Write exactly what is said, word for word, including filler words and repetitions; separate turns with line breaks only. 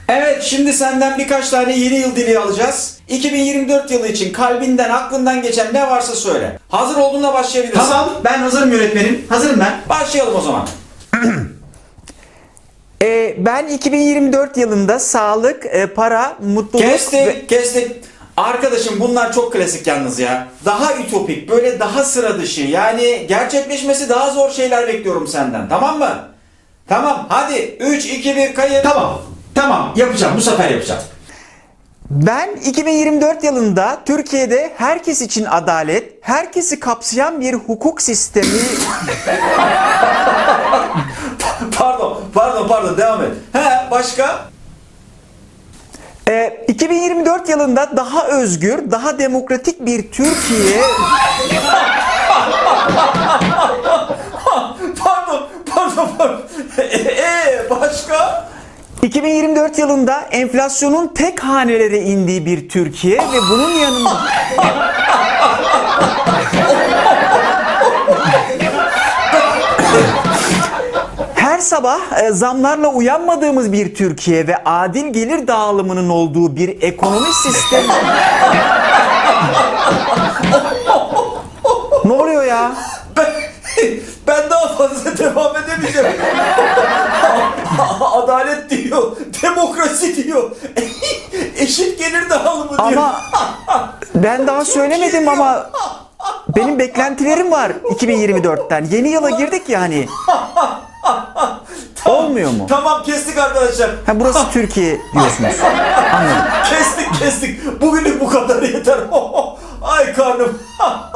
Evet, şimdi senden birkaç tane yeni yıl dili alacağız. iki bin yirmi dört yılı için kalbinden, aklından geçen ne varsa söyle. Hazır olduğunda başlayabilirsin.
Tamam, ben hazırım yönetmenim. Hazırım ben.
Başlayalım o zaman.
Ee, ben iki bin yirmi dört yılında sağlık, e, para, mutluluk
Kestik,
ve...
kestik. Arkadaşım bunlar çok klasik yalnız ya. Daha ütopik, böyle daha sıra dışı. Yani gerçekleşmesi daha zor şeyler bekliyorum senden. Tamam mı? Tamam, hadi. üç, iki, bir, kayıt.
Tamam, tamam. Yapacağım, bu sefer yapacağım.
Ben iki bin yirmi dört yılında Türkiye'de herkes için adalet, herkesi kapsayan bir hukuk sistemi...
Pardon, pardon, pardon. Devam et. He, başka?
Ee, iki bin yirmi dört yılında daha özgür, daha demokratik bir Türkiye...
Pardon, pardon, pardon. Eee, başka?
iki bin yirmi dört yılında enflasyonun tek hanelere indiği bir Türkiye ve bunun yanında... Her sabah e, zamlarla uyanmadığımız bir Türkiye ve adil gelir dağılımının olduğu bir ekonomi sistemi... Ne oluyor ya?
Ben, ben daha fazla devam edemeyeceğim. Adalet diyor, demokrasi diyor, eşit gelir dağılımı diyor.
Ama ben daha söylemedim ama benim beklentilerim var iki bin yirmi dörtten. Yeni yıla girdik yani. Olmuyor mu?
Tamam, kestik arkadaşlar.
Ha, burası Türkiye diyorsunuz. Anladım.
Kestik kestik. Bugünlük bu kadar yeter. Ay karnım.